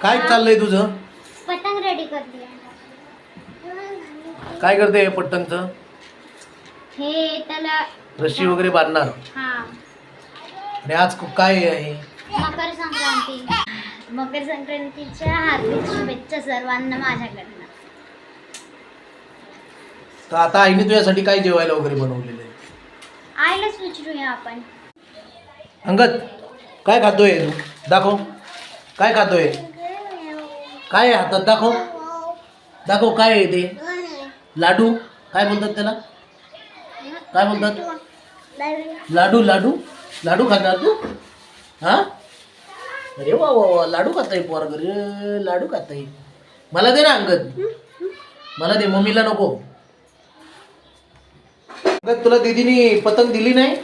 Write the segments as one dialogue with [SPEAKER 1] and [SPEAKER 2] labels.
[SPEAKER 1] काय चाललंय तुझं?
[SPEAKER 2] पतंग रेडी करते.
[SPEAKER 1] काय करते पतंगचं?
[SPEAKER 2] हे त्याला
[SPEAKER 1] रशी वगैरे बांधणार.
[SPEAKER 2] हा.
[SPEAKER 1] आणि आज काय आहे?
[SPEAKER 2] मकर संक्रांती. मकर संक्रांतीच्या हार्दिक शुभेच्छा सर्वांना माझ्याकडनं.
[SPEAKER 1] तर आता आईने तुझ्यासाठी काय जेवायला वगैरे बनवलेलं आहे?
[SPEAKER 2] आईलाच विचारूया आपण.
[SPEAKER 1] अंगद काय खातोय तू? दाखव. काय खातोय? काय आहे हातात? दाखव. दाखव काय आहे ते? लाडू. काय बोलतात त्याला? काय बोलतात? लाडू. लाडू लाडू खाणार तू? हा? अरे वा वा वा, लाडू खाताय पोरग रे, लाडू खाताय. मला दे ना अंगद, मला दे, मम्मीला नको. अंगद तुला दीदीने पतंग दिली नाही?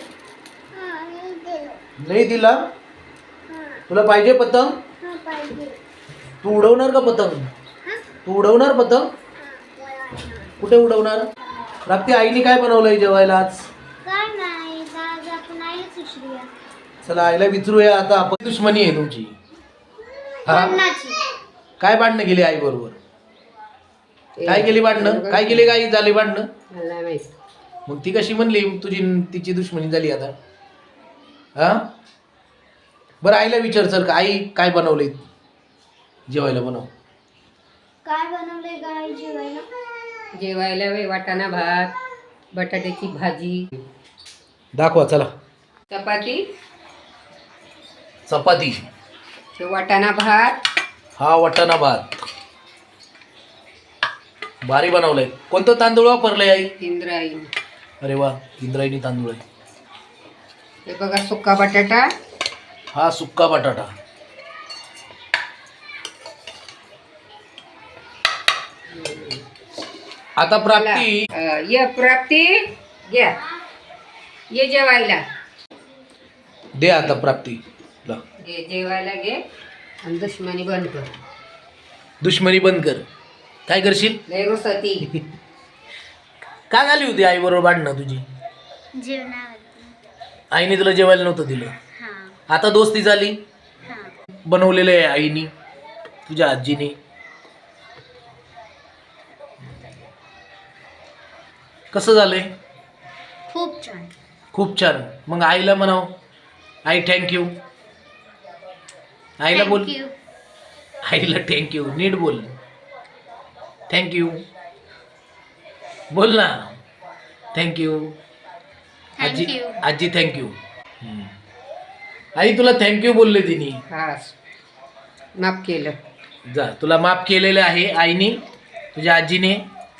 [SPEAKER 1] नाही दिला? तुला पाहिजे पतंग? तू उडवणार का पतंग? तू उडवणार पतंग? कुठे उडवणार? रात्री आईने काय बनवलंय जेवायला आज?
[SPEAKER 2] काय नाही, आज आपण आईलाच विचारूया.
[SPEAKER 1] चला आईला विचारूया आता. आपण दुश्मनी आहे तुमची. हा? काय भांडणं गेली आई बरोबर? काय केली भांडणं? काय केली काय झाली भांडणं? मग ती कशी म्हणली तुझी तिची दुश्मनी झाली आता? हा? बरं आईला विचार चल का आई काय बनवले जेवायला? बनव.
[SPEAKER 2] काय बनवलंय गाय जेवायला?
[SPEAKER 3] जेवायला वाटाणा भात, बटाट्याची भाजी,
[SPEAKER 1] दाखवा चला.
[SPEAKER 3] चपाती,
[SPEAKER 1] चपाती,
[SPEAKER 3] वाटाणा भात.
[SPEAKER 1] हा वाटाणा भात भारी बनवलंय. कोणतं तांदूळ वापरलंय आई?
[SPEAKER 3] इंद्रायणी.
[SPEAKER 1] अरे वा, इंद्रायणी तांदूळ आहे.
[SPEAKER 3] हे बघा सुका बटाटा.
[SPEAKER 1] हा सुक्का बटाटा. आता प्राप्ती.
[SPEAKER 3] ये प्राप्ती घ्या, ये जेवायला.
[SPEAKER 1] दे आता प्राप्ती.
[SPEAKER 3] घे जेवायला घे आणि दुश्मनी बंद कर.
[SPEAKER 1] दुश्मनी बंद कर. काय करशील?
[SPEAKER 3] लय रुसती.
[SPEAKER 1] काय झाली होती आई बरोबर भांडणं तुझी?
[SPEAKER 2] जेवणावरती.
[SPEAKER 1] आईने तुला जेवायला नव्हतं दिलं.
[SPEAKER 2] हा.
[SPEAKER 1] आता दोस्ती झाली.
[SPEAKER 2] हा.
[SPEAKER 1] बनवलेलं आहे आईने, तुझ्या आजीने. कसं झालंय?
[SPEAKER 2] खूप छान.
[SPEAKER 1] खूप छान. मग आईला म्हणाव, आई थँक्यू. आईला बोल.
[SPEAKER 2] Thank you.
[SPEAKER 1] आईला थँक्यू नीट बोल. थँक्यू बोल ना. थँक्यू आजी.
[SPEAKER 2] Thank you.
[SPEAKER 1] आजी थँक्यू. आई तुला थँक्यू बोलले तिने.
[SPEAKER 3] हा माफ केलं.
[SPEAKER 1] जा, तुला माफ केलेलं आहे आईने, तुझ्या आजीने.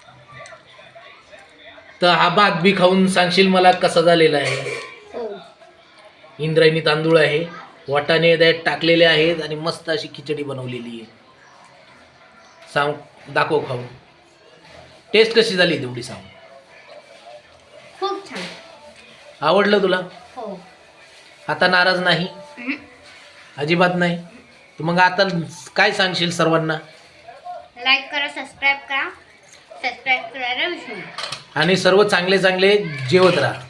[SPEAKER 1] तर हा भात बी खाऊन सांगशील मला कसा झालेला आहे?
[SPEAKER 2] हो.
[SPEAKER 1] इंद्रायणी तांदूळ आहे, वाटाणे त्यात टाकलेले आहेत आणि मस्त अशी खिचडी बनवलेली आहे. सांग, दाखव खाऊन. टेस्ट कशी झाली तेवढी सांग.
[SPEAKER 2] खूप छान.
[SPEAKER 1] आवडलं तुला?
[SPEAKER 2] हो.
[SPEAKER 1] आता नाराज नाही? अजिबात नाही? तर मग आता काय सांगशील सर्वांना?
[SPEAKER 2] लाईक करा, सबस्क्राईब करा. सबस्क्राईब करायला विसरू नका.
[SPEAKER 1] आणि सर्व चांगले चांगले जेवत राहा.